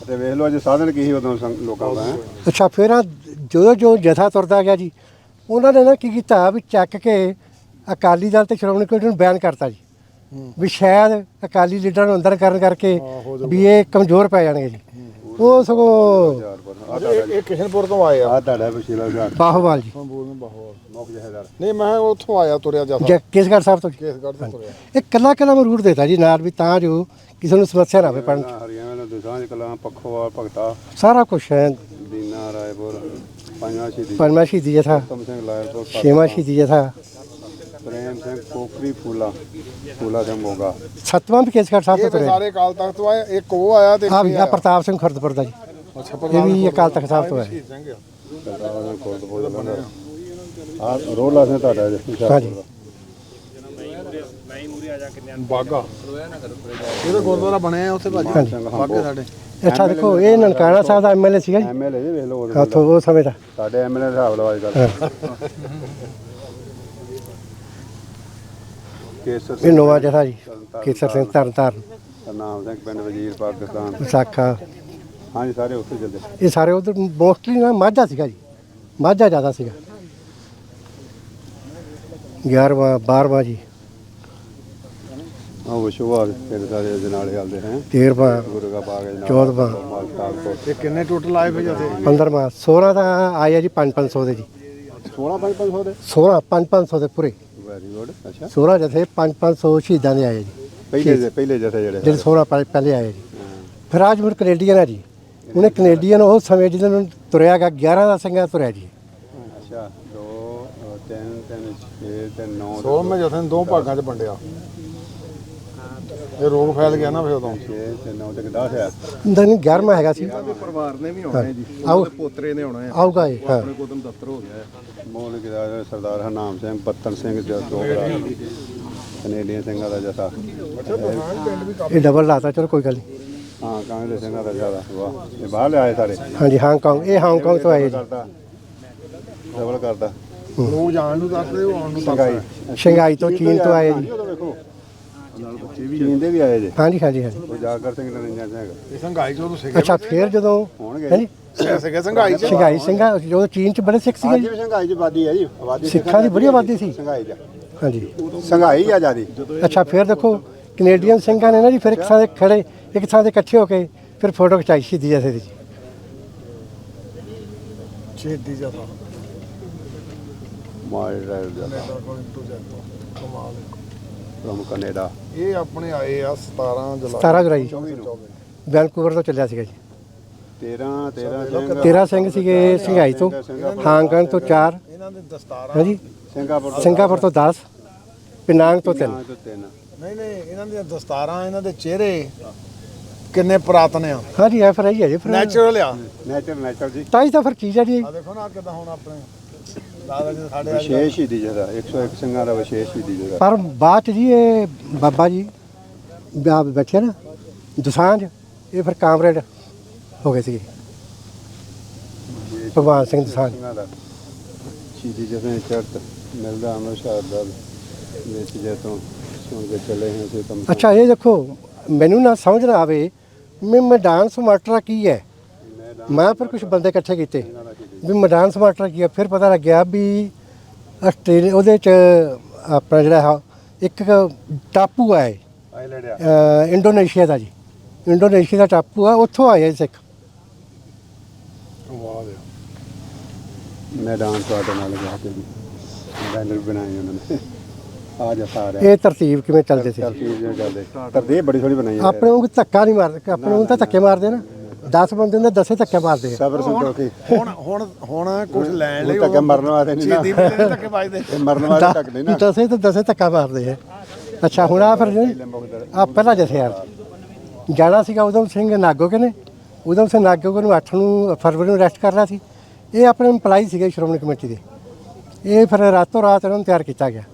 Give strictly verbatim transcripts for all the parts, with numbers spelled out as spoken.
ਤੇ ਵੇਖ ਲਓ ਅੱਜ ਸਾਧਨ ਕੀ ਸੀ ਉਦੋਂ ਲੋਕਾਂ ਦਾ। ਅੱਛਾ ਫਿਰ ਆ ਜਦੋਂ ਜੋ ਜਥਾ ਤੁਰਦਾ ਗਿਆ ਜੀ ਉਹਨਾਂ ਨੇ ਨਾ ਕੀ ਕੀਤਾ ਵੀ ਚੱਕ ਕੇ ਅਕਾਲੀ ਦਲ ਤੇ ਸ਼੍ਰੋਮਣੀ ਕਮੇਟੀ ਨੂੰ ਬਿਆਨ ਕਰਤਾ ਜੀ ਵੀ ਸ਼ਾਇਦ ਅਕਾਲੀ ਲੀਡਰਾਂ ਨੂੰ ਅੰਦਰ ਕਰਨ ਕਰਕੇ ਵੀ ਇਹ ਕਮਜ਼ੋਰ ਪੈ ਜਾਣਗੇ ਜੀ। ਉਹ ਸਗੋਂ ਇਹ ਕਿਸ਼ਨਪੁਰ ਤੋਂ ਆਏ ਆ। ਆ ਤੁਹਾਡਾ ਵਸੀਲਾ ਘਾਟ ਬਾਹੋਵਾਲ ਜੀ ਮੁੱਖ ਜਹੇਦਾਰ। ਨਹੀਂ ਮੈਂ ਉੱਥੋਂ ਆਇਆ ਤੁਰਿਆ ਜਾਂਦਾ ਕੇਸਗੜ੍ਹ ਸਾਹਿਬ ਤੋਂ ਕੇਸਗੜ੍ਹ ਤੋਂ ਤੁਰਿਆ। ਇਹ ਕੱਲਾ ਕੱਲਾ ਮੈਂ ਰੂਟ ਦੇਤਾ ਜੀ ਨਾਲ ਵੀ ਤਾਂ ਜੋ ਕਿਸੇ ਨੂੰ ਸਮੱਸਿਆ ਨਾ ਆਵੇ ਪੜਨ ਹਰਿਆਣਾ ਦੇ ਦੁਸਾਂਝ ਕਲਾਂ ਪੱਖੋਵਾਲ ਭਗਤਾ ਸਾਰਾ ਕੁਛ ਹੈ। ਦੀਨਾ ਰਾਏਪੁਰ ਪੰਜਵਾਂ ਸ਼ਹੀਦੀ ਪੰਜਵਾਂ ਸ਼ਹੀਦੀ ਜਥਾ ਉਤਮ ਸਿੰਘ ਲਾਇਰਪੁਰ ਛੇਵਾਂ ਸ਼ਹੀਦੀ ਜਥਾ ਪ੍ਰੇਮ ਸਿੰਘ ਕੋਕਰੀ ਫੂਲਾ ਫੂਲਾ ਸਿੰਘ ਮੋਗਾ ਸੱਤਵਾਂ ਵੀ ਕੇਸਗੜ੍ਹ ਸਾਹਿਬ ਤੋਂ ਇਹ ਤੁਰਿਆ ਸਾਰੇ ਅਕਾਲ ਤਖਤ ਤੋਂ ਆਏ। ਇੱਕ ਉਹ ਆਇਆ ਤੇ ਆ ਵੀ ਆ ਪ੍ਰਤਾਪ ਸਿੰਘ ਖੁਰਦਪੁਰ ਦਾ ਜੀ ਇਹ ਵੀ ਅਕਾਲ ਤਖਤ ਸਾਹਿਬ ਤੋਂ ਹੈ। ਆ ਰੋਲਾ ਸਿੰਘ ਤੁਹਾਡਾ ਹਾਂਜੀ ਬਾਗਾ ਇਹਦਾ ਗੁਰਦੁਆਰਾ ਬਣਿਆ ਉੱਥੇ ਭਾਜੀ ਬਾਗੇ ਸਾਡੇ। ਅੱਛਾ ਦੇਖੋ ਇਹ ਨਨਕਾਣਾ ਸਾਹਿਬ ਦਾ ਐਮਐਲਏ ਸੀਗਾ ਜੀ ਐਮਐਲਏ ਜੀ ਵੇਖ ਲਓ ਉੱਥੋਂ ਉਹ ਸਮੇਂ ਦਾ ਸਾਡੇ ਐਮਐਲਏ ਦਾ ਹਿਸਾਬ ਲਓ ਅੱਜ ਕੱਲ੍ਹ। ਕੇਸਰ ਇਹ ਨਵਾਂ ਜਥਾ ਜੀ ਕੇਸਰ ਸਿੰਘ ਤਰਨ ਤਾਰਨ ਨਾਮ ਸਿੰਘ ਪਿੰਡ ਵਜ਼ੀਰ ਪਾਕਿਸਤਾਨ ਵਿਸਾਖਾ ਹਾਂਜੀ ਸਾਰੇ ਉੱਥੇ ਚੱਲਦੇ। ਇਹ ਸਾਰੇ ਉਧਰ ਮੋਸਟਲੀ ਨਾ ਮਾਝਾ ਸੀਗਾ ਜੀ ਮਾਝਾ ਜ਼ਿਆਦਾ ਸੀਗਾ। ਗਿਆਰਵਾਂ ਬਾਰਵਾਂ ਜੀ ਆਹ ਵਿਸ਼ਵਾ ਫਿਰ ਸਾਰੇ ਜਨਾਲੇ ਚੱਲਦੇ ਹੈ ਤੇਰਵਾਂ ਗੁਰੂ ਕਾ ਬਾਗ ਜਨਾਬ ਚੌਦਵਾਂ ਇਹ ਕਿੰਨੇ ਟੋਟਲ ਆਏ ਫਿਰ ਜਥੇ? ਪੰਦਰਵਾਂ ਸੋਲਾਂ ਦਾ ਆਇਆ ਜੀ ਪੰਜ ਪੰਜ ਸੌ ਦੇ ਜੀ ਸੋਲਾਂ ਪੰਜ ਪੰਜ ਸੌ ਦੇ ਸੋਲਾਂ ਪੰਜ ਪੰਜ ਸੌ ਦੇ ਪੂਰੇ ਵੈਰੀ ਗੁੱਡ। ਅੱਛਾ ਸੋਲਾਂ ਜਥੇ ਪੰਜ ਪੰਜ ਸੌ ਸ਼ਹੀਦਾਂ ਦੇ ਆਏ ਜੀ ਪਹਿਲੇ ਪਹਿਲੇ ਜਥੇ ਜਿਹੜੇ ਜਿਹੜੇ ਸੋਲਾਂ ਪਹਿਲੇ ਆਏ ਜੀ। ਫਿਰ ਅੱਜ ਮੁੜ ਕੈਨੇਡੀਅਨ ਆ ਜੀ ਉਹਨੇ ਕੈਨੇਡੀਅਨ ਉਸ ਸਮੇਂ ਜਿਹਨਾਂ ਨੂੰ ਤੁਰਿਆ ਗਿਆ ਗਿਆਰਾਂ ਦਾ ਸਿੰਘਾਂ ਤੁਰਿਆ ਜੀ। ਅੱਛਾ ਦੋ ਤਿੰਨ ਤਿੰਨ ਛੇ ਤੇ ਨੌ ਸੋਲਵੇਂ ਜਥੇ ਨੂੰ ਦੋ ਭਾਗਾਂ 'ਚ ਵੰਡਿਆ। ਇਹ ਰੋਗ ਫੈਲ ਗਿਆ ਨਾ ਫਿਰ ਉਦੋਂ ਛੇ ਤੇ ਨੌ ਤੇ ਦਸ ਆ। ਨਹੀਂ ਗਿਆਰਵਾਂ ਹੈਗਾ ਸੀ ਪਰਿਵਾਰ ਨੇ ਵੀ ਆਉਣਾ ਜੀ ਆਓ ਪੋਤਰੇ ਨੇ ਆਉਣਾ ਆਊਗਾ ਇਹ ਹਾਂ ਆਪਣੇ ਕੋਲ ਦਫ਼ਤਰ ਹੋ ਗਿਆ। ਮੋਹਨ ਗਿਰਾ ਸਰਦਾਰ ਹਰਨਾਮ ਸਿੰਘ ਬੱਤਨ ਸਿੰਘ ਜਦੋਗਰਾ ਕੈਨੇਡੀਅਨ ਸਿੰਘਾਂ ਦਾ ਜਥਾ। ਇਹ ਡਬਲ ਲਾਤਾ ਚਲੋ ਕੋਈ ਗੱਲ ਨਹੀਂ। ਹਾਂ ਕਾਂਗਰਸ ਸਿੰਘਾਂ ਦਾ ਜ਼ਿਆਦਾ ਵਾਹ ਇਹ ਬਾਹਰ ਆਏ ਸਾਰੇ ਹਾਂਜੀ ਹਾਂਗਕਾਂਗ ਇਹ ਹਾਂਗਕਾਂਗ ਤੋਂ ਆਏ ਜੀ ਕਰਦਾ ਡਬਲ ਕਰਦਾ ਲੋਕ ਜਾਣ ਨੂੰ ਦੱਸਦੇ ਉਹ ਆਉਣ ਨੂੰ ਸੰਗਾਈ ਸ਼ੰਘਾਈ ਤੋਂ ਚੀਨ ਤੋਂ ਆਏ ਜੀ। ਉਦੋਂ ਵੇਖੋ ਨਾਲ ਬੱਚੇ ਵੀ ਚੀਨ ਦੇ ਵੀ ਆਏ ਜੇ ਹਾਂਜੀ ਹਾਂਜੀ ਹਾਂਜੀ ਉਹ ਜਾਗਰ ਸਿੰਘ ਨਰਿੰਜਨ ਸਿੰਘ ਇਹ ਸੰਘਾਈ ਚੋਂ ਤੋਂ ਸਿੱਖੇ ਅੱਛਾ ਫਿਰ ਜਦੋਂ ਹੋਣਗੇ ਹਾਂਜੀ ਸਿੱਖੇ ਸੰਘਾਈ 'ਚ ਸ਼ੰਘਾਈ ਸਿੰਘਾਂ ਜਦੋਂ ਚੀਨ ਚ ਬੜੇ ਸਿੱਖ ਸੀਗੇ ਅੱਜ ਜੀ। ਵੀ ਸੰਘਾਈ ਚ ਆਬਾਦੀ ਹੈ ਜੀ ਆਬਾਦੀ ਸਿੱਖਾਂ ਦੀ ਬੜੀ ਆਬਾਦੀ ਸੀ ਸੰਘਾਈ ਚ ਹਾਂਜੀ ਸੰਘਾਈ ਆ ਜਿਆਦੀ। ਅੱਛਾ ਫਿਰ ਦੇਖੋ ਕੈਨੇਡੀਅਨ ਸਿੰਘਾਂ ਨੇ ਨਾ ਜੀ ਫਿਰ ਇੱਕ ਥਾਂ ਤੇ ਖੜੇ ਇੱਕ ਥਾਂ ਤੇ ਇਕੱਠੇ ਹੋ ਕੇ ਫਿਰ ਫੋਟੋ ਖਿਚਾਈ ਸ਼ਹੀਦੀ ਜਥੇ ਦੀ ਜੀ। ਛੇਤੀ ਜਥਾ ਮਾਈ ਡਰਾਈਵ ਜਥਾ ਕਮਾਲ ਫਰਮ ਕੈਨੇਡਾ। ਇਹ ਆਪਣੇ ਆਏ ਆ ਸਤਾਰਾਂ ਜੁਲਾਈ ਸਤਾਰਾਂ ਜੁਲਾਈ ਚੌਵੀ ਨੂੰ ਵੈਨਕੂਵਰ ਤੋਂ ਚੱਲਿਆ ਸੀਗਾ ਜੀ। ਤੇਰਾਂ ਤੇਰਾਂ ਸਿੰਘ ਤੇਰਾਂ ਸਿੰਘ ਸੀਗੇ ਸ਼ੰਘਾਈ ਤੋਂ ਹਾਂਗਕਾਂਗ ਤੋਂ ਚਾਰ ਇਹਨਾਂ ਦੇ ਦਸਤਾਰਾਂ ਹਾਂਜੀ ਸਿੰਗਾਪੁਰ ਤੋਂ ਸਿੰਗਾਪੁਰ ਤੋਂ ਦਸ ਪਿਨਾਂਗ ਤੋਂ ਤਿੰਨ ਪੰਜ ਤੋਂ ਤਿੰਨ ਨਹੀਂ ਨਹੀਂ ਇਹਨਾਂ ਦੀਆਂ ਦਸਤਾਰਾਂ ਇਹਨਾਂ ਦੇ ਚਿਹਰੇ ਕਿੰਨੇ ਪੁਰਾਤਨ ਆ ਹਾਂਜੀ ਐ ਫਿਰ ਆਈ ਹੈ ਜੀ ਫਿਰ ਨੈਚੁਰਲ ਆ। ਨੈਚਰ ਨੈਚਰ ਜੀ ਤਾਂ ਹੀ ਤਾਂ ਫਿਰ ਚੀਜ਼ ਹੈ ਜੀ। ਆ ਦੇਖੋ ਨਾ ਕਿਦਾਂ ਹੁਣ ਆਪਣੇ ਦਾਦਾ ਜੀ ਸਾਡੇ ਵਿਸ਼ੇਸ਼ ਹੀ ਦੀ ਜਗ੍ਹਾ ਇੱਕ ਸੌ ਇੱਕ ਸਿੰਘਾਂ ਦਾ ਵਿਸ਼ੇਸ਼ ਹੀ ਦੀ ਜਗ੍ਹਾ। ਪਰ ਬਾਅਦ ਚ ਜੀ ਇਹ ਬਾਬਾ ਜੀ ਵਿਆਹ ਬੈਠੇ ਨਾ ਦੁਸਾਂਝ ਇਹ ਫਿਰ ਕਾਮਰੇਡ ਹੋ ਗਏ ਸੀਗੇ ਭਗਵਾਨ ਸਿੰਘ ਦੁਸਾਂਝ। ਸਿੰਘਾਂ ਦਾ ਸ਼ਹੀਦੀ ਜਦੋਂ ਚੜ੍ਹਤ ਮਿਲਦਾ ਅੰਮ੍ਰਿਤਸਰ ਦਾ ਵਿੱਚ ਜੇ ਤੋਂ ਸੁਣ ਕੇ ਚੱਲੇ ਹਾਂ ਅਸੀਂ ਕੰਮ। ਅੱਛਾ ਇਹ ਦੇਖੋ ਮੈਨੂੰ ਨਾ ਸਮਝ ਨਾ ਆਵੇ ਮੈਂ ਮੈਦਾਨ ਸਮਾਟਰਾ ਕੀ ਹੈ। ਮੈਂ ਫਿਰ ਕੁਝ ਬੰਦੇ ਇਕੱਠੇ ਕੀਤੇ ਵੀ ਮੈਦਾਨ ਸਮਾਟਰਾ ਕੀ ਹੈ। ਫਿਰ ਪਤਾ ਲੱਗਿਆ ਵੀ ਆਸਟ੍ਰੇਲੀਆ ਉਹਦੇ ਚ ਆਪਣਾ ਜਿਹੜਾ ਇੱਕ ਟਾਪੂ ਹੈ ਆਈਲੈਂਡ ਆ ਇੰਡੋਨੇਸ਼ੀਆ ਦਾ ਜੀ। ਇੰਡੋਨੇਸ਼ੀਆ ਦਾ ਟਾਪੂ ਆ ਉੱਥੋਂ ਆਏ ਸਿੱਖ। ਵਾਹ ਵੇ ਮੈਦਾਨ ਤੁਹਾਡੇ ਨਾਲ ਗਿਆ ਤੇ ਬੈਨਰ ਬਣਾਏ ਉਹਨਾਂ ਨੇ ਆ ਜਾ ਸਾਰੇ ਇਹ ਤਰਤੀਬ ਕਿਵੇਂ ਚੱਲਦੇ ਸੀ ਤਰਤੀਬ ਜਿਹਾ ਚੱਲਦੇ ਤਰਤੀਬ ਬੜੀ ਸੋਹਣੀ ਬਣਾਈ ਹੈ। ਆਪਣੇ ਨੂੰ ਧੱਕਾ ਨਹੀਂ ਮਾਰਦੇ ਆਪਣੇ ਨੂੰ ਤਾਂ ਧੱਕੇ ਮਾਰਦੇ ਨਾ ਦਸ ਬੰਦੇ ਹੁੰਦੇ ਦਸੇ ਧੱਕੇ ਮਾਰਦੇ ਆ। ਸਬਰ ਸੰਤੋਖੀ ਹੁਣ ਹੁਣ ਹੁਣ ਕੁਝ ਲੈਣ ਲਈ ਧੱਕੇ ਮਰਨ ਵਾਸਤੇ ਨਹੀਂ ਨਾ ਛੇਤੀ ਮਿਲਦੇ ਧੱਕੇ ਵੱਜਦੇ ਇਹ ਮਰਨ ਵਾਲੇ ਧੱਕ ਨਹੀਂ ਨਾ। ਦਸੇ ਤੇ ਦਸੇ ਧੱਕਾ ਮਾਰਦੇ ਆ। ਅੱਛਾ ਹੁਣ ਆ ਫਿਰ ਆ ਪਹਿਲਾ ਜਥੇ ਯਾਰ ਜਾਣਾ ਸੀਗਾ ਉਦਮ ਸਿੰਘ ਨਾਗੋਕੇ ਨੇ। ਉਦਮ ਸਿੰਘ ਨਾਗੋਕੇ ਨੂੰ ਅੱਠ ਨੂੰ ਫਰਵਰੀ ਨੂੰ ਅਰੈਸਟ ਕਰਨਾ ਸੀ। ਇਹ ਆਪਣੇ ਇੰਪਲਾਈ ਸੀਗੇ ਸ਼੍ਰੋਮਣੀ ਕਮੇਟੀ ਦੇ। ਇਹ ਫਿਰ ਰਾਤੋਂ ਰਾਤ ਇਹਨਾਂ ਨੂੰ ਤਿਆਰ ਕੀਤਾ ਗਿਆ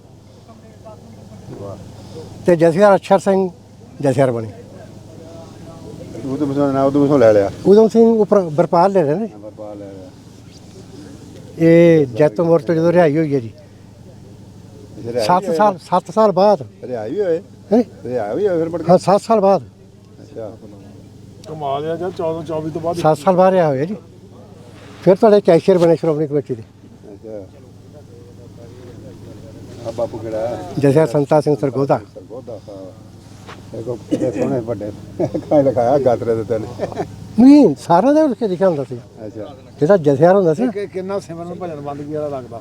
ਤੇ ਜਥੇਦਾਰ ਅਛਰ ਸਿੰਘ ਜਥੇਦਾਰ ਬਣੇ। ਉਹ ਤੋਂ ਬਸੋਂ ਨਾ ਉਹ ਤੋਂ ਲੈ ਲਿਆ ਉਦਮ ਸਿੰਘ ਉੱਪਰ ਵਰਪਾਲ ਲੈ ਰਹੇ ਨੇ। ਵਰਪਾਲ ਲੈ ਲਿਆ ਇਹ ਜੈਤੋ ਮੋੜ ਤੋਂ ਜਦੋਂ ਰਿਹਾਈ ਹੋਈ ਹੈ ਜੀ ਸੱਤ ਸਾਲ ਸੱਤ ਸਾਲ ਬਾਅਦ ਰਿਹਾਈ ਵੀ ਹੋਏ ਹੈਂ? ਰਿਹਾਈ ਵੀ ਹੋਏ ਫਿਰ ਮੁੜ ਕੇ ਹਾਂ ਸੱਤ ਸਾਲ ਬਾਅਦ ਅੱਛਾ ਕਮਾਲ ਆ ਜਾਂ ਚੌਦਾਂ ਚੌਵੀ ਤੋਂ ਬਾਅਦ ਸੱਤ ਸਾਲ ਬਾਅਦ ਰਿਹਾ ਹੋਇਆ ਜੀ। ਫਿਰ ਤੁਹਾਡੇ ਕੈਸ਼ੀਅਰ ਬਣੇ ਸ਼੍ਰੋਮਣੀ ਕਮੇਟੀ ਦੇ। ਅੱਛਾ ਆ ਬਾਪੂ ਕਿਹੜਾ ਹੈ? ਜਥੇਦਾਰ ਸੰਤਾ ਸਿੰਘ ਸਰਗੋਧਾ। ਸਰਗੋਧਾ ਸਾਹਿਬ ਇਹ ਕੋ ਕਿਤੇ ਸੋਹਣੇ ਵੱਡੇ ਕਾਇ ਲਿਖਾਇਆ ਗਾਤਰੇ ਦੇ ਤੈਨੂੰ। ਨਹੀਂ ਸਾਰਿਆਂ ਦਾ ਉੱਥੇ ਲਿਖਿਆ ਹੁੰਦਾ ਸੀ। ਅੱਛਾ ਜਿਹੜਾ ਜਥੇਦਾਰ ਹੁੰਦਾ ਸੀ ਨਾ, ਕਿ ਕਿੰਨਾ ਸਿਮਰਨ ਭਜਨ ਬੰਦਗੀ ਵਾਲਾ ਲੱਗਦਾ।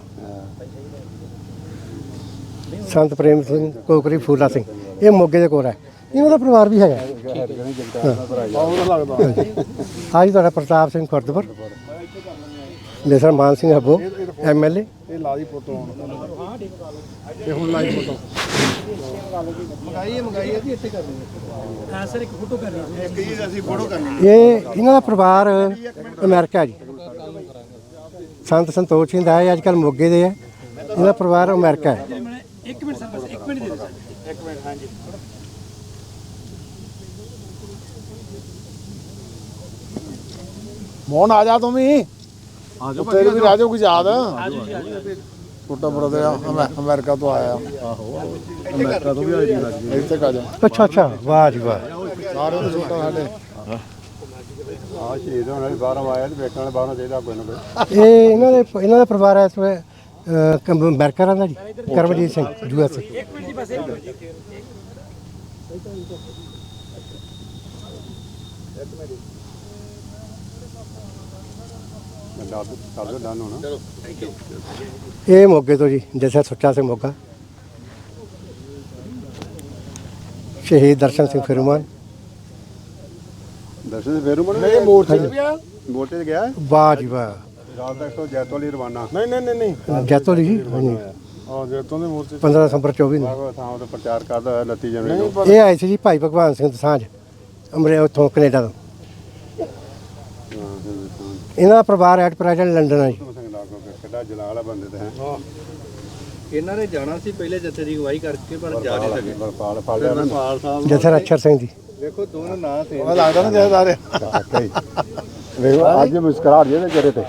ਸੰਤ ਪ੍ਰੇਮ ਸਿੰਘ ਕੋਕਰੀ ਫੂਲਾ ਸਿੰਘ, ਇਹ ਮੋਗੇ ਦੇ ਕੋਲ ਹੈ। ਇਹਨਾਂ ਦਾ ਪਰਿਵਾਰ ਵੀ ਹੈਗਾ। ਬਹੁਤ ਲੱਗਦਾ। ਆਜ ਤੁਹਾਡਾ ਪ੍ਰਤਾਪ ਸਿੰਘ ਖੁਰਦਪੁਰ, ਮੇਸਰ ਮਾਨ ਸਿੰਘ ਹੱਬੋ ਐਮ ਐਲ ਏ। ਇਹ ਲਾ ਦੀ ਫੋਟੋ ਹੁਣ ਇਹ ਹੁਣ ਲਾਈ ਫੋਟੋ ਮੰਗਾਈਏ ਮੰਗਾਈਏ ਜੀ ਇੱਥੇ ਕਰਨੀ ਹਾਂ ਸਰ ਇੱਕ ਫੋਟੋ ਕਰਨੀ ਇੱਕ ਜੀ ਅਸੀਂ ਫੋਟੋ ਕਰਨੀ। ਇਹ ਇਹਨਾਂ ਦਾ ਪਰਿਵਾਰ ਅਮਰੀਕਾ ਜੀ। ਸੰਤ ਸੰਤੋਖ ਸਿੰਘ ਦਾ ਹੈ, ਅੱਜ ਕੱਲ੍ਹ ਮੋਗੇ ਦੇ ਹੈ। ਇਹਦਾ ਪਰਿਵਾਰ ਅਮਰੀਕਾ ਹੈ। ਇੱਕ ਮਿੰਟ ਸਰ ਬਸ ਇੱਕ ਮਿੰਟ ਦੇ ਦਿਓ ਸਰ ਇੱਕ ਮਿੰਟ ਹਾਂਜੀ ਮੋਹਨ ਆ ਜਾ ਤੂੰ ਵੀ ਆ ਜਾ ਤੇਰੇ ਵੀ ਰਾਜੋ ਕੁਝ ਯਾਦ ਛੋਟਾ ਬ੍ਰਦਰ ਆ ਅਮੈ- ਅਮਰੀਕਾ ਤੋਂ ਆਇਆ ਆਹੋ ਅਮਰੀਕਾ ਤੋਂ ਵੀ ਆਈ ਜੀ ਇੱਥੇ ਕਾ ਜਾ ਅੱਛਾ ਅੱਛਾ, ਵਾਹ ਜੀ ਵਾਹ। ਸਾਰੇ ਤੋਂ ਛੋਟਾ ਸਾਡੇ ਆ ਸ਼ਹੀਦ ਹੋਣ ਵਾਲੀ ਬਾਹਰੋਂ ਆਇਆ ਤੇ ਵੇਖਣ ਵਾਲੇ ਬਾਹਰੋਂ ਚਾਹੀਦਾ ਕੋਈ ਨਾ ਕੋਈ। ਇਹ ਇਹਨਾਂ ਦੇ ਇਹਨਾਂ ਦਾ ਪਰਿਵਾਰ ਹੈ ਇਸ ਵੇ ਅਮਰੀਕਾ ਰਹਿੰਦਾ ਜੀ। Karamjit Singh U S A. ਇੱਕ ਮਿੰਟ ਜੀ ਬਸ ਇੱਕ ਮਿੰਟ ਜੀ ਮੈਂ ਦੱਸ ਦੱਸ ਡਨ ਹੋਣਾ। ਇਹ ਮੋਗੇ ਤੋਂ ਜੀ, ਜੈਸਾ ਸੁੱਚਾ ਸਿੰਘ ਮੋਗਾ। ਸ਼ਹੀਦ ਦਰਸ਼ਨ ਸਿੰਘ ਫਿਰਮਾਨ। ਦਰਸ਼ਨ ਫੇਰ ਮਨ ਨਹੀਂ ਮੋਰਚੇ ਤੇ ਵੀ ਆਇਆ ਮੋਟੇ ਤੇ ਗਿਆ ਵਾਹ ਜੀ ਵਾਹ। ਰਾਤ ਤੱਕ ਤੋਂ ਜੈਤੋ ਲਈ ਰਵਾਨਾ। ਨਹੀਂ ਨਹੀਂ ਨਹੀਂ ਨਹੀਂ ਜੈਤੋ ਲਈ ਜੀ। ਹਾਂਜੀ, ਆ ਜੈਤੋਂ ਦੇ ਮੋਰਚੇ ਪੰਦਰਾਂ ਦਸੰਬਰ ਚੌਵੀ ਨੂੰ ਬਾਗੋ ਥਾਂ ਤੇ ਪ੍ਰਚਾਰ ਕਰਦਾ ਹੋਇਆ ਉਨੱਤੀ ਜਨਵਰੀ ਨਹੀਂ ਨੂੰ। ਪਰ ਇਹ ਆਏ ਸੀ ਜੀ ਭਾਈ ਭਗਵਾਨ ਸਿੰਘ ਦਸਾਂਝ, ਅਮਰੇ ਉੱਥੋਂ ਕੈਨੇਡਾ ਤੋਂ। ਹਾਂ, ਹਿੰਦੁਸਤਾਨ ਇਹਨਾਂ ਦਾ ਪਰਿਵਾਰ ਐਟ ਪ੍ਰੈਜ਼ੈਂਟ ਲੰਡਨ ਹੈ ਜੀ। ਸਿੰਘ ਲਾਗੋ ਕਿੱਡਾ ਜਲਾਲ ਵਾਲਾ ਬੰਦੇ ਤੇ ਹੈ। ਇਹਨਾਂ ਨੇ ਜਾਣਾ ਸੀ ਪਹਿਲੇ ਜੱਥੇ ਦੀ ਅਗਵਾਈ ਕਰਕੇ ਪਰ ਜਾ ਨਹੀਂ ਸਕੇ। ਬਰਪਾਲ ਫੜ ਲਿਆ ਨਾ ਪਾਲ ਸਾਹਿਬ ਜਥੇਦਾਰ ਅਛਰ ਸਿੰਘ ਜੀ। ਵੇਖੋ ਦੋਨੋਂ ਨਾਂ ਤੇ ਉਹ ਲੱਗਦਾ ਨਾ ਜੈਦਾਰੇ ਵਾਕਈ। ਵੇਖੋ ਅੱਜ ਮੁਸਕਰਾ ਜਿਹਦੇ ਚਿਹਰੇ ਤੇ।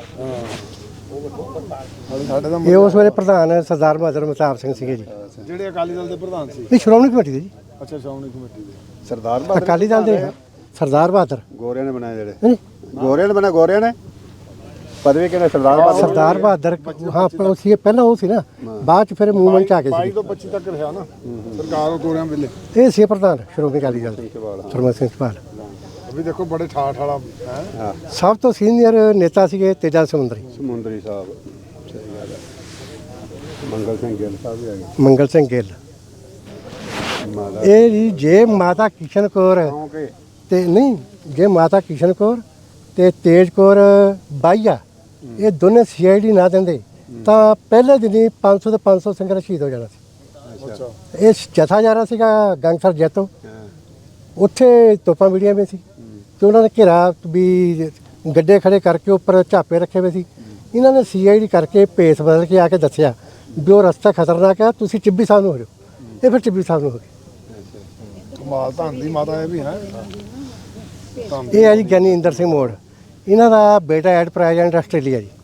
ਸਾਡੇ ਤਾਂ ਇਹ ਉਸ ਵੇਲੇ ਪ੍ਰਧਾਨ ਸਰਦਾਰ ਬਹਾਦਰ ਮਹਿਤਾਬ ਸਿੰਘ ਸੀਗੇ ਜੀ। ਜਿਹੜੇ ਅਕਾਲੀ ਦਲ ਦੇ ਪ੍ਰਧਾਨ ਸੀ ਇਹ ਸ਼੍ਰੋਮਣੀ ਕਮੇਟੀ ਦੇ ਜੀ। ਅੱਛਾ ਸ਼੍ਰੋਮਣੀ ਕਮੇਟੀ ਦੇ ਸਰਦਾਰ ਬਹਾਦਰ ਅਕਾਲੀ ਦਲ ਦੇ ਸਰਦਾਰ ਬਹਾਦਰ ਗੋਰਿਆਂ ਨੇ ਬਣਾਏ ਜਿਹੜੇ ਨਹੀਂ, ਗੋਰਿਆਂ ਨੇ ਬਣਾਇਆ ਗੋਰਿਆਂ ਨੇ ਪਦਵੀ ਕਿਹਨੇ ਸਰਦਾਰ ਬਹਾਦਰ ਸਰਦਾਰ ਬਹਾਦਰ ਹਾਂ ਪਰ ਉਹ ਸੀ ਪਹਿਲਾਂ ਉਹ ਸੀ ਨਾ, ਬਾਅਦ ਚ ਫਿਰ ਮੂਵਮੈਂਟ ਚ ਆ ਗਏ ਬਾਈ ਸੀ। ਤੋਂ ਪੱਚੀ ਤੱਕ ਰਿਹਾ ਨਾ ਸਰਕਾਰ ਗੋਰਿਆਂ ਵੇਲੇ ਇਹ ਸੀ ਪ੍ਰਧਾਨ ਸ਼੍ਰੋਮਣੀ ਅਕਾਲੀ ਦਲ ਦੇ ਸਰਮਨ ਸਿੰਘ ਸਪਾਲ। ਅਭੀ ਦੇਖੋ ਬੜੇ ਠਾਠ ਵਾਲਾ ਹੈ ਹਾਂ ਸਭ ਤੋਂ ਸੀਨੀਅਰ ਨੇਤਾ ਸੀਗੇ ਤੇਜਾ ਸਮੁੰਦਰੀ, ਸਮੁੰਦਰੀ ਸਾਹਿਬ ਸਹੀ ਗੱਲ ਹੈ। ਮੰਗਲ ਸਿੰਘ ਗਿੱਲ ਸਾਹਿਬ ਵੀ ਆ ਗਏ। ਮੰਗਲ ਸਿੰਘ ਗਿੱਲ। ਮਾਤਾ ਇਹ ਜੀ ਜੇ ਮਾਤਾ ਕਿਸ਼ਨ ਕੌਰ ਕਿਉਂਕਿ ਤੇ ਨਹੀਂ, ਜੇ ਮਾਤਾ ਕਿਸ਼ਨ ਕੌਰ ਤੇ ਤੇਜ ਕੌਰ ਬਾਈਆ ਇਹ ਦੋਨੇ ਸੀ ਆਈ ਡੀ ਨਾ ਦਿੰਦੇ ਤਾਂ ਪਹਿਲੇ ਦਿਨ ਹੀ ਪੰਜ ਸੌ ਤੇ ਪੰਜ ਸੌ ਸੰਗਤ ਸ਼ਹੀਦ ਹੋ ਜਾਣਾ ਸੀ। ਅੱਛਾ ਇਹ ਜਥਾ ਜਾ ਰਿਹਾ ਸੀਗਾ ਗੰਗਸਰ ਜੈਤੋ, ਉੱਥੇ ਤੋਪਾਂ ਵੀੜੀਆਂ ਵੀ ਸੀ ਤੇ ਉਹਨਾਂ ਨੇ ਘੇਰਾ ਵੀ ਗੱਡੇ ਖੜੇ ਕਰਕੇ ਉੱਪਰ ਝਾਪੇ ਰੱਖੇ ਹੋਏ ਸੀ। ਇਹਨਾਂ ਨੇ ਸੀ ਆਈ ਡੀ ਕਰਕੇ ਭੇਸ ਬਦਲ ਕੇ ਆ ਕੇ ਦੱਸਿਆ ਵੀ ਉਹ ਰਸਤਾ ਖਤਰਨਾਕ ਹੈ, ਤੁਸੀਂ ਟਿੱਬੀ ਸਾਹਿਬ ਨੂੰ ਹੋ ਜਾਓ। ਇਹ ਫਿਰ ਟਿੱਬੀ ਸਾਹਿਬ ਨੂੰ ਹੋ ਗਏ। ਕਮਾਲ ਧੰਨ ਦੀ ਮਾਤਾ ਇਹ ਵੀ ਹੈ ਧੰਨ ਇਹ ਹੈ ਜੀ ਗਿਆਨੀ ਇੰਦਰ ਸਿੰਘ ਮੋੜ, ਇਹਨਾਂ ਦਾ ਬੇਟਾ ਐਟ ਪ੍ਰੈਜ਼ੈਂਟ ਆਸਟ੍ਰੇਲੀਆ ਜੀ।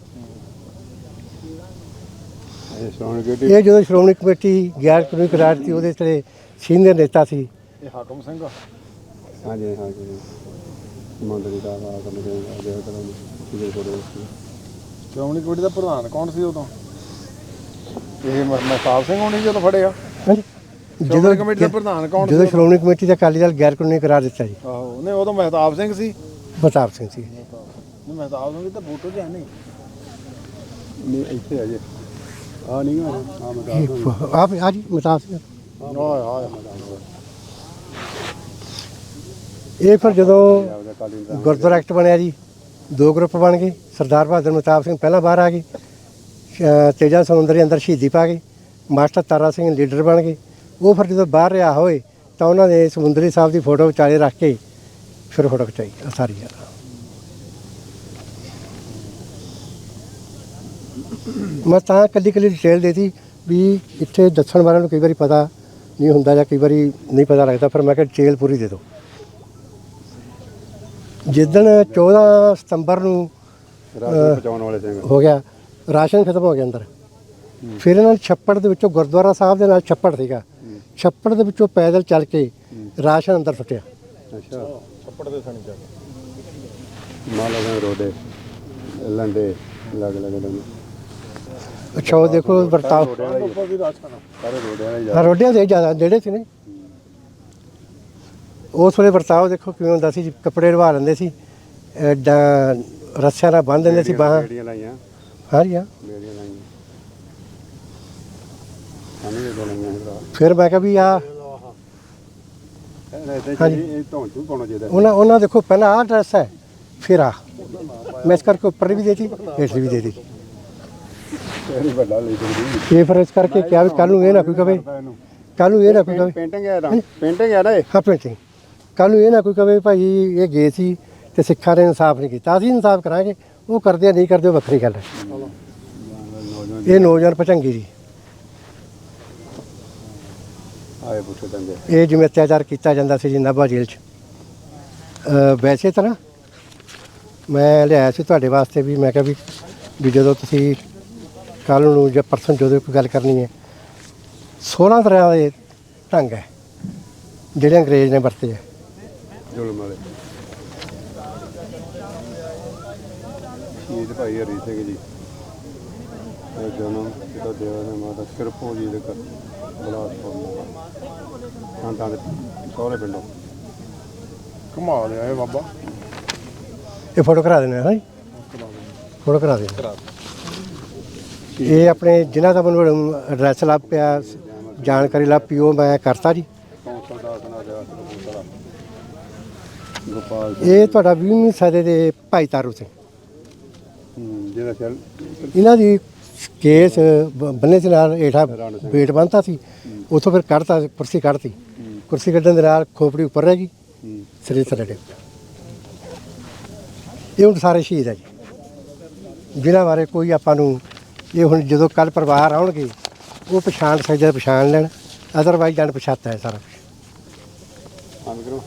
ਇਹ ਸ਼੍ਰੋਮਣੀ ਕਮੇਟੀ ਇਹ ਜਦੋਂ ਸ਼੍ਰੋਮਣੀ ਕਮੇਟੀ ਗੈਰ ਕਾਨੂੰਨੀ ਕਰਾਰ ਸੀ ਉਹਦੇ ਤੇ ਸੀਨੀਅਰ ਨੇਤਾ ਸੀ। ਇਹ ਹਾਕਮ ਸਿੰਘ ਆ। ਹਾਂਜੀ ਹਾਂਜੀ ਮੰਦਰੀ ਦਾ ਆ ਕਰਨ ਦੇ ਦੇ ਕਰਨ ਦੇ ਕੋਲ ਸ਼੍ਰੋਮਣੀ ਕਮੇਟੀ ਦਾ ਪ੍ਰਧਾਨ ਕੌਣ ਸੀ ਉਦੋਂ? ਇਹ ਮਹਿਤਾਬ ਸਿੰਘ ਹੋਣੀ ਜਦੋਂ ਫੜਿਆ ਹਾਂਜੀ, ਸ਼੍ਰੋਮਣੀ ਕਮੇਟੀ ਦਾ ਪ੍ਰਧਾਨ ਕੌਣ ਸੀ ਜਦੋਂ ਸ਼੍ਰੋਮਣੀ ਕਮੇਟੀ ਦਾ ਅਕਾਲੀ ਦਲ ਗੈਰ ਕਾਨੂੰਨੀ ਕਰਾਰ ਦਿੱਤਾ ਜੀ, ਆਹੋ ਨਹੀਂ ਉਦੋਂ ਮਹਿਤਾਬ ਸਿੰਘ ਸੀ। ਪ੍ਰਤਾਪ ਸਿੰਘ ਸੀ। ਨਹੀਂ ਮਹਿਤਾਬ ਸਿੰਘ ਦੀ ਤਾਂ ਫੋਟੋ ਚ ਹੈ ਨਹੀਂ ਨਹੀਂ ਇੱਥੇ ਆ ਜੇ ਆ ਨਹੀਂ ਆ ਆ ਮੈਂ ਦੱਸ ਦੂੰ ਆਪ ਆ ਜੀ ਮਤਾਬ ਸਿੰਘ। ਆਏ ਆਏ ਇਹ ਫਿਰ ਜਦੋਂ ਆਪਦਾ ਕਾਲੀ ਦਾ ਗੁਰਦੁਆਰਾ ਐਕਟ ਬਣਿਆ ਜੀ, ਦੋ ਗਰੁੱਪ ਬਣ ਗਏ। ਸਰਦਾਰ ਬਹਾਦਰ ਮਤਾਬ ਸਿੰਘ ਪਹਿਲਾਂ ਬਾਹਰ ਆ ਗਏ, ਅ, ਤੇਜਾ ਸਮੁੰਦਰੀ ਅੰਦਰ ਸ਼ਹੀਦੀ ਪਾ ਗਏ। ਮਾਸਟਰ ਤਾਰਾ ਸਿੰਘ ਲੀਡਰ ਬਣ ਗਏ। ਉਹ ਫਿਰ ਜਦੋਂ ਬਾਹਰ ਰਿਹਾ ਹੋਏ ਤਾਂ ਉਹਨਾਂ ਨੇ ਸਮੁੰਦਰੀ ਸਾਹਿਬ ਦੀ ਫੋਟੋ ਵਿਚਾਲੇ ਰੱਖ ਕੇ ਫਿਰ ਫੋਟੋ ਖਿਚਾਈ ਆਹ ਸਾਰੀ ਯਾਰ। ਮੈਂ ਤਾਂ ਕੱਲੀ ਕੱਲੀ ਡਿਟੇਲ ਦੇਤੀ ਵੀ ਇੱਥੇ ਦੱਸਣ ਵਾਲਿਆਂ ਨੂੰ ਕਈ ਵਾਰੀ ਪਤਾ ਨਹੀਂ ਹੁੰਦਾ ਜਾਂ ਕਈ ਵਾਰੀ ਨਹੀਂ ਪਤਾ ਲੱਗਦਾ, ਫਿਰ ਮੈਂ ਕਿਹਾ ਡਿਟੇਲ ਪੂਰੀ ਦੇ ਦਿਓ। ਜਿੱਦਣ ਚੌਦਾਂ ਸਤੰਬਰ ਨੂੰ ਰਾਜੂ ਬਚਾਉਣ ਵਾਲੇ ਸਿੰਘ ਹੋ ਗਿਆ, ਰਾਸ਼ਨ ਖਤਮ ਹੋ ਗਿਆ ਅੰਦਰ। ਫਿਰ ਇਹਨਾਂ ਨੇ ਛੱਪੜ ਦੇ ਵਿੱਚੋਂ, ਗੁਰਦੁਆਰਾ ਸਾਹਿਬ ਦੇ ਨਾਲ ਛੱਪੜ ਸੀਗਾ, ਛੱਪੜ ਦੇ ਵਿੱਚੋਂ ਪੈਦਲ ਚੱਲ ਕੇ ਰਾਸ਼ਨ ਅੰਦਰ ਸੁੱਟਿਆ। ਅੱਛਾ ਛੱਪੜ ਦੇ ਥਾਣੀ ਜਾ ਕੇ ਮਾਲਾ ਦੇ ਰੋਡੇ ਲੰਡੇ ਲੱਗ ਲੱਗ ਡੰਗ ਅੱਛਾ ਉਹ ਦੇਖੋ ਵਰਤਾਓ ਸਾਰੇ ਰੋਡਿਆਂ ਦਾ ਹੀ ਹਾਂ ਰੋਡਿਆਂ ਦੇ ਜ਼ਿਆਦਾ ਜਿਹੜੇ ਸੀ ਨੇ ਉਸ ਵੇਲੇ ਵਰਤਾਓ ਦੇਖੋ ਕਿਵੇਂ ਹੁੰਦਾ ਸੀ ਜੀ, ਕੱਪੜੇ ਲਵਾ ਲੈਂਦੇ ਸੀ ਐਡਾ ਰੱਸਿਆਂ ਨਾਲ ਬੰਨ੍ਹ ਦਿੰਦੇ ਸੀ ਬਾਹਾਂ ਬੇੜੀਆਂ ਲਾਈਆਂ ਸਾਰੀਆਂ। ਬੇੜੀਆਂ ਲਾਈਆਂ ਸਾਨੂੰ ਇਹ ਲਾਈਆਂ ਸੀ ਭਰਾ ਫਿਰ ਮੈਂ ਕਿਹਾ ਵੀ ਆ ਹਾਂਜੀ ਇਹ ਧੌਣ ਚ ਵੀ ਪਾਉਣਾ ਚਾਹੀਦਾ ਉਹਨਾਂ ਉਹਨਾਂ ਦੇਖੋ ਪਹਿਲਾਂ ਆਹ ਡਰੈਸ ਹੈ ਫਿਰ ਆ ਮੈਂ ਇਸ ਕਰਕੇ ਉੱਪਰ ਵੀ ਦੇਤੀ ਹੇਠ ਵੀ ਦੇਤੀ ਇਹ ਵੀ ਵੱਡਾ ਲਈ ਦਿੰਦੀ ਇਹ ਫਿਰ ਇਸ ਕਰਕੇ ਕਿਹਾ ਵੀ ਕੱਲ ਨੂੰ ਇਹ ਨਾ ਕੋਈ ਕਵੇ ਕੱਲ ਨੂੰ ਇਹ ਨਾ ਕੋਈ ਕਵੇ ਪੇਂਟਿੰਗ ਹੈ ਨਾ ਪੇਂਟਿੰਗ ਹੈ ਨਾ ਇਹ ਹਾਂ ਪੇਂਟਿੰਗ ਕੱਲ ਨੂੰ ਇਹ ਨਾ ਕੋਈ ਕਵੇ ਭਾਈ ਇਹ ਗਏ ਸੀ ਤੇ ਸਿੱਖਾਂ ਨੇ ਇਨਸਾਫ ਨਹੀਂ ਕੀਤਾ ਅਸੀਂ ਇਨਸਾਫ ਕਰਾਂਗੇ ਉਹ ਕਰਦੇ ਆ ਨਹੀਂ ਕਰਦੇ ਉਹ ਵੱਖਰੀ ਗੱਲ ਹੈ। ਇਹ ਨੌਜਵਾਨ ਭਚੰਗੀ ਜੀ ਆਏ ਪੁੱਛੇ ਦੰਦੇ ਇਹ ਜਿਵੇਂ ਅਤਿਆਚਾਰ ਕੀਤਾ ਜਾਂਦਾ ਸੀ ਜੀ ਨਾਭਾ ਜੇਲ੍ਹ 'ਚ ਅ, ਵੈਸੇ ਤਾਂ ਨਾ ਮੈਂ ਲਿਆਇਆ ਸੀ ਤੁਹਾਡੇ ਵਾਸਤੇ ਵੀ ਮੈਂ ਕਿਹਾ ਵੀ ਵੀ ਜਦੋਂ ਤੁਸੀਂ ਕੱਲ੍ਹ ਨੂੰ ਜਾਂ ਪਰਸੋਂ ਜਦੋਂ ਕੋਈ ਗੱਲ ਕਰਨੀ ਹੈ ਸੋਲ੍ਹਾਂ ਤਰ੍ਹਾਂ ਦੇ ਢੰਗ ਹੈ ਜਿਹੜੇ ਅੰਗਰੇਜ਼ ਨੇ ਵਰਤੇ ਹੈ। ਜ਼ੁਲਮ ਵਾਲੇ ਸ਼ਹੀਦ ਭਾਈ ਹਰੀ ਸਿੰਘ ਜੀ ਇਹ ਜਨਮ ਪਿਤਾ ਦੇਵਾ ਦੇ ਮਾਤਾ ਕਿਰਪੋ ਜੀ ਦੇ ਘਰ ਬਲਾਸਪੁਰ ਸੰਤਾਂ ਦੇ ਸਹੁਰੇ ਪਿੰਡੋਂ ਘੁਮਾ ਲਿਆ ਇਹ ਬਾਬਾ ਇਹ ਫੋਟੋ ਕਰਾ ਦੇਣਾ ਹੈ ਜੀ ਫੋਟੋ ਕਰਾ ਦੇਣਾ ਇਹ ਆਪਣੇ ਜਿਨ੍ਹਾਂ ਦਾ ਮੈਨੂੰ ਐਡਰੈਸ ਲੱਭ ਪਿਆ ਜਾਣਕਾਰੀ ਲੱਭ ਪਈ ਉਹ ਮੈਂ ਕਰਤਾ ਜੀ। ਕੌਂਸਲ ਦਾ ਸੁਣਾ ਦਿਆ ਕਪੂਰਥਲਾ ਗੋਪਾਲ ਇਹ ਤੁਹਾਡਾ ਵੀਹਵੀਂ ਸਦੀ ਦੇ ਭਾਈ ਤਾਰੂ ਸਿੰਘ ਹੂੰ, ਜਿਹਦਾ ਚੱਲ ਇਹਨਾਂ ਦੀ ਕੇਸ ਬ- ਬੰਨੇ ਦੇ ਨਾਲ ਹੇਠਾਂ ਵੇਟ ਬੰਨ੍ਹਤਾ ਸੀ ਉੱਥੋਂ ਫਿਰ ਕੱਢਤਾ ਕੁਰਸੀ ਕੱਢਤੀ ਕੁਰਸੀ ਕੱਢਣ ਦੇ ਨਾਲ ਖੋਪੜੀ ਉੱਪਰ ਰਹਿ ਗਈ ਸਰੀਰ ਥੱਲੇ ਡਿੱਗ ਪਿਆ। ਇਹ ਹੁਣ ਸਾਰੇ ਸ਼ਹੀਦ ਹੈ ਜੀ ਜਿਨ੍ਹਾਂ ਬਾਰੇ ਕੋਈ ਆਪਾਂ ਨੂੰ ਇਹ ਹੁਣ ਜਦੋਂ ਕੱਲ ਪਰਿਵਾਰ ਆਉਣਗੇ ਉਹ ਪਛਾਣ ਸਕਦੇ ਪਛਾਣ ਲੈਣ ਅਦਰਵਾਈਜ਼ ਜਾਣ ਪਛਾਤਾ ਹੈ ਸਾਰਾ ਕੁਛ। ਬੰਦ ਕਰੋ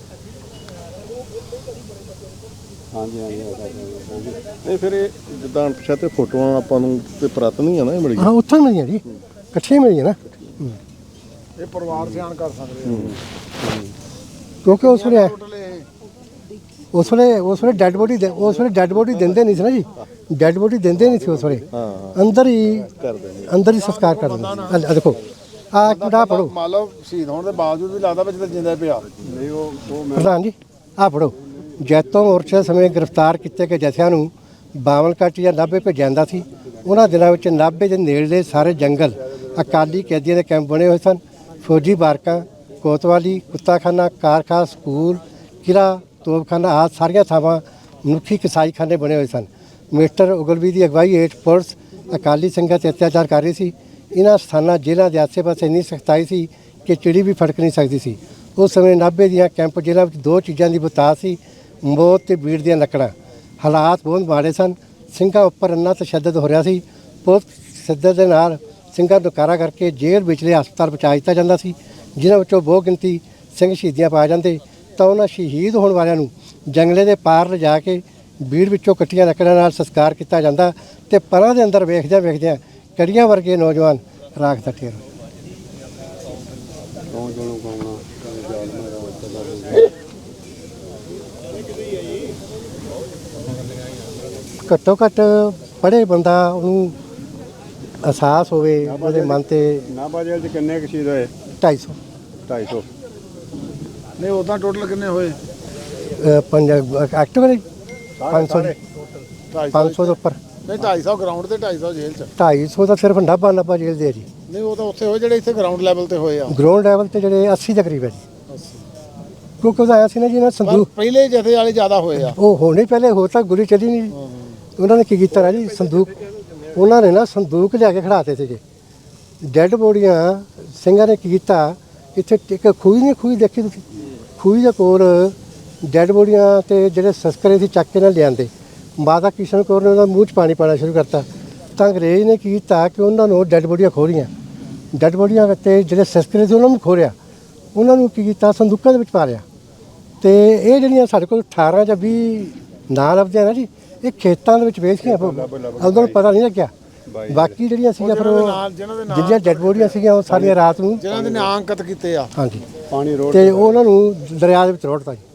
ਹਾਂਜੀ ਹਾਂਜੀ ਹਾਂਜੀ ਨਹੀਂ ਫਿਰ ਇਹ ਜਿੱਦਾਂ ਪਛਾਤੇ ਫੋਟੋਆਂ ਆਪਾਂ ਨੂੰ ਤੇ ਪ੍ਰਤ ਨਹੀਂ ਆ ਨਾ ਇਹ ਮਿਲ ਹਾਂ ਉੱਥੋਂ ਹੀ ਮਿਲੀਆਂ ਜੀ ਇਕੱਠੀਆਂ ਮਿਲੀਆਂ ਨਾ ਇਹ ਪਰਿਵਾਰ ਸਿਆਣ ਕਰ ਸਕਦੇ ਕਿਉਂਕਿ ਉਸ ਵੇਲੇ ਉਸ ਵੇਲੇ ਉਸ ਵੇਲੇ ਡੈੱਡ ਬੋਡੀ ਉਸ ਵੇਲੇ ਡੈੱਡ ਬੋਡੀ ਦਿੰਦੇ ਨਹੀਂ ਸੀ ਨਾ ਜੀ ਡੈੱਡ ਬੋਡੀ ਦਿੰਦੇ ਨਹੀਂ ਸੀ ਉਸ ਵੇਲੇ ਅੰਦਰ ਹੀ ਕਰ ਦਿੰਦੇ ਅੰਦਰ ਹੀ ਸੰਸਕਾਰ ਕਰ ਦਿੰਦੇ ਸੀ। ਆਹ ਦੇਖੋ ਆ ਕਿਹੜਾ ਪੜੋ ਮੰਨ ਲਓ ਸ਼ਹੀਦ ਹੋਣ ਦੇ ਬਾਵਜੂਦ ਵੀ ਲੱਗਦਾ ਵਿੱਚ ਤਾਂ ਜਿੰਦਾ ਪਿਆ ਨਹੀਂ ਉਹ ਉਹ ਮੈਂ ਪ੍ਰਧਾਨ ਜੀ ਆ ਪੜੋ ਜੈਤੋਂ ਮੋਰਚੇ ਸਮੇਂ ਗ੍ਰਿਫਤਾਰ ਕੀਤੇ ਗਏ ਜਥਿਆਂ ਨੂੰ ਬਾਵਲਕੱਟ ਜਾਂ ਨਾਭੇ ਭੇਜਿਆ ਜਾਂਦਾ ਸੀ। ਉਹਨਾਂ ਦਿਨਾਂ ਵਿੱਚ ਨਾਭੇ ਦੇ ਨੇੜਲੇ ਸਾਰੇ ਜੰਗਲ ਅਕਾਲੀ ਕੈਦੀਆਂ ਦੇ ਕੈਂਪ ਬਣੇ ਹੋਏ ਸਨ। ਫੌਜੀ ਬਾਰਕਾਂ ਕੋਤਵਾਲੀ ਕੁੱਤਾਖਾਨਾ ਕਾਰਖਾਨਾ ਸਕੂਲ ਕਿਲਾ ਤੋਪਖਾਨਾ ਆਦਿ ਸਾਰੀਆਂ ਥਾਵਾਂ ਮਨੁੱਖੀ ਕਸਾਈਖਾਨੇ ਬਣੇ ਹੋਏ ਸਨ। ਮਿਸਟਰ ਉਗਲਵੀ ਦੀ ਅਗਵਾਈ ਹੇਠ ਪੁਲਿਸ ਅਕਾਲੀ ਸਿੰਘਾਂ 'ਤੇ ਅਤਿਆਚਾਰ ਕਰ ਰਹੀ ਸੀ। ਇਹਨਾਂ ਸਥਾਨਾਂ ਜੇਲ੍ਹਾਂ ਦੇ ਆਸੇ-ਪਾਸੇ ਇੰਨੀ ਸਖਤਾਈ ਸੀ ਕਿ ਚਿੜੀ ਵੀ ਫੜਕ ਨਹੀਂ ਸਕਦੀ ਸੀ। ਉਸ ਸਮੇਂ ਨਾਭੇ ਦੀਆਂ ਕੈਂਪ ਜੇਲ੍ਹਾਂ ਵਿੱਚ ਦੋ ਚੀਜ਼ਾਂ ਦੀ ਬਤਾਸ ਸੀ, ਮੌਤ ਤੇ ਬੀੜ ਦੀਆਂ ਲੱਕੜਾਂ। ਹਾਲਾਤ ਬਹੁਤ ਮਾੜੇ ਸਨ। ਸਿੰਘਾਂ ਉੱਪਰ ਇੰਨਾ ਤਸ਼ੱਦਦ ਹੋ ਰਿਹਾ ਸੀ। ਪੁਲਿਸ ਤਸ਼ੱਦਦ ਦੇ ਨਾਲ ਸਿੰਘਾਂ ਨੂੰ ਕਾਰਾ ਕਰਕੇ ਜੇਲ੍ਹ ਵਿਚਲੇ ਹਸਪਤਾਲ ਪਹੁੰਚਾ ਦਿੱਤਾ ਜਾਂਦਾ ਸੀ। ਜਿਨ੍ਹਾਂ ਵਿੱਚੋਂ ਬਹੁ ਗਿਣਤੀ ਸਿੰਘ ਸ਼ਹੀਦੀਆਂ ਪਾ ਜਾਂਦੇ ਤਾਂ ਉਹਨਾਂ ਸ਼ਹੀਦ ਹੋਣ ਵਾਲਿਆਂ ਨੂੰ ਜੰਗਲੇ ਦੇ ਪਾਰ ਲਿਜਾ ਕੇ ਬੀੜ ਵਿੱਚੋਂ ਕੱਟੀਆਂ ਲੱਕੜਾਂ ਨਾਲ ਸੰਸਕਾਰ ਕੀਤਾ ਜਾਂਦਾ ਤੇ ਪਰਾਂ ਦੇ ਅੰਦਰ ਵੇਖਦਿਆਂ ਵੇਖਦਿਆਂ ਕੜੀਆਂ ਵਰਗੇ ਨੌਜਵਾਨ ਰਾਖ ਦਾ ਠੇਰ ਕੌਣ ਜਣੋਂ ਕੌਣਾ ਜਾਲਮਾ ਘੱਟੋ ਘੱਟ ਪੜ੍ਹੇ ਬੰਦਾ ਉਹਨੂੰ ਅਹਿਸਾਸ ਹੋਵੇ ਉਹਦੇ ਮਨ ਤੇ ਨਾਭਾ ਜੇਲ੍ਹ 'ਚ ਕਿੰਨੇ ਕੁ ਸ਼ਹੀਦ ਹੋਏ ਢਾਈ ਸੌ ਢਾਈ ਸੌ ਨਹੀਂ ਉਦਾਂ ਟੋਟਲ ਕਿੰਨੇ ਹੋਏ ਅ, ਪੰਜ ਐਕਟਿਵ ਨੇ ਪੰਜ ਸੌ ਪੰਜ ਸੌ ਦੇ ਉੱਪਰ ਨਹੀਂ ਢਾਈ ਸੌ ਗਰਾਊਂਡ ਤੇ ਢਾਈ ਸੌ ਜੇਲ੍ਹ ਚ ਢਾਈ ਸੌ ਤਾਂ ਸਿਰਫ ਨਾਭਾ ਨਾਭਾ ਜੇਲ੍ਹ ਦੇ ਆ ਜੀ। ਨਹੀਂ ਉਹ ਤਾਂ ਉੱਥੇ ਹੋਏ ਜਿਹੜੇ ਇੱਥੇ ਗਰਾਊਂਡ ਲੈਵਲ ਤੇ ਹੋਏ ਆ ਗਰਾਊਂਡ ਲੈਵਲ ਤੇ ਜਿਹੜੇ ਅੱਸੀ ਦੇ ਕਰੀਬ ਹੈ ਜੀ ਕਿਉਂਕਿ ਉਹਦਾ ਆਇਆ ਸੀ ਨਾ ਜੀ ਨਾ ਪਰ ਸੰਦੂਕ ਪਹਿਲੇ ਜਥੇ ਵਾਲੇ ਜ਼ਿਆਦਾ ਹੋਏ ਆ ਉਹ ਹੋਣੇ ਪਹਿਲੇ ਹੋ ਤਾਂ ਗੋਲੀ ਚੱਲੀ ਨਹੀਂ ਜੀ। ਉਹਨਾਂ ਨੇ ਕੀ ਕੀਤਾ ਨਾ ਜੀ ਸੰਦੂਕ ਉਹਨਾਂ ਨੇ ਨਾ ਸੰਦੂਕ ਲਿਆ ਕੇ ਖੜਾਤੇ ਸੀਗੇ ਡੈੱਡ ਬੋਡੀਆਂ ਸਿੰਘਾਂ ਨੇ ਕੀ ਕੀਤਾ ਇੱਥੇ ਇੱਕ ਖੂਹੀ ਨਹੀਂ ਖੂਹੀ ਦੇਖੀ ਤੁਸੀਂ ਖੂਹੀ ਦੇ ਕੋਲ ਡੈੱਡ ਬੋਡੀਆਂ ਤੇ ਜਿਹੜੇ ਸਸਕਰੇ ਸੀ ਚੱਕ ਕੇ ਨਾਲ ਲਿਆਂਦੇ ਮਾਤਾ ਕਿਸ਼ਨ ਕੌਰ ਨੇ ਉਹਦਾ ਮੂੰਹ 'ਚ ਪਾਣੀ ਪਾਣਾ ਸ਼ੁਰੂ ਕਰਤਾ ਤਾਂ ਅੰਗਰੇਜ਼ ਨੇ ਕੀ ਕੀਤਾ ਕਿ ਉਹਨਾਂ ਨੂੰ ਡੈੱਡ ਬੋਡੀਆਂ ਖੋਲੀਆਂ ਡੈੱਡ ਬੋਡੀਆਂ ਤੇ ਜਿਹੜੇ ਸਸਕਰੇ ਸੀ ਉਹਨਾਂ ਨੂੰ ਖੋਲਿਆ ਉਹਨਾਂ ਨੂੰ ਕੀ ਕੀਤਾ ਸੰਦੂਕਾਂ ਦੇ ਵਿੱਚ ਪਾ ਲਿਆ ਤੇ ਇਹ ਜਿਹੜੀਆਂ ਸਾਡੇ ਕੋਲ ਅਠਾਰਾਂ ਜਾਂ ਵੀਹ ਨਾਂ ਲੱਭਦੇ ਆ ਨਾ ਜੀ ਇਹ ਖੇਤਾਂ ਦੇ ਵਿੱਚ ਵੇਚੀਆਂ ਉਹਨਾਂ ਨੂੰ ਪਤਾ ਨਹੀਂ ਲੱਗਿਆ ਬਾਕੀ ਜਿਹੜੀਆਂ ਸੀਗੀਆਂ ਫਿਰ ਉਹ ਜਿਹੜੀਆਂ ਡੈੱਡ ਬੋਡੀਆਂ ਸੀਗੀਆਂ ਉਹ ਸਾਰੀਆਂ ਰਾਤ ਨੂੰ ਜਿਹਨਾਂ ਦੇ ਨਾਂ ਅੰਕਿਤ ਕੀਤੇ ਆ ਹਾਂਜੀ ਪਾਣੀ ਰੋਡ ਤੇ ਉਹਨਾਂ ਨੂੰ ਦਰਿਆ ਦੇ ਵਿੱਚ ਰੋੜਤਾ ਜੀ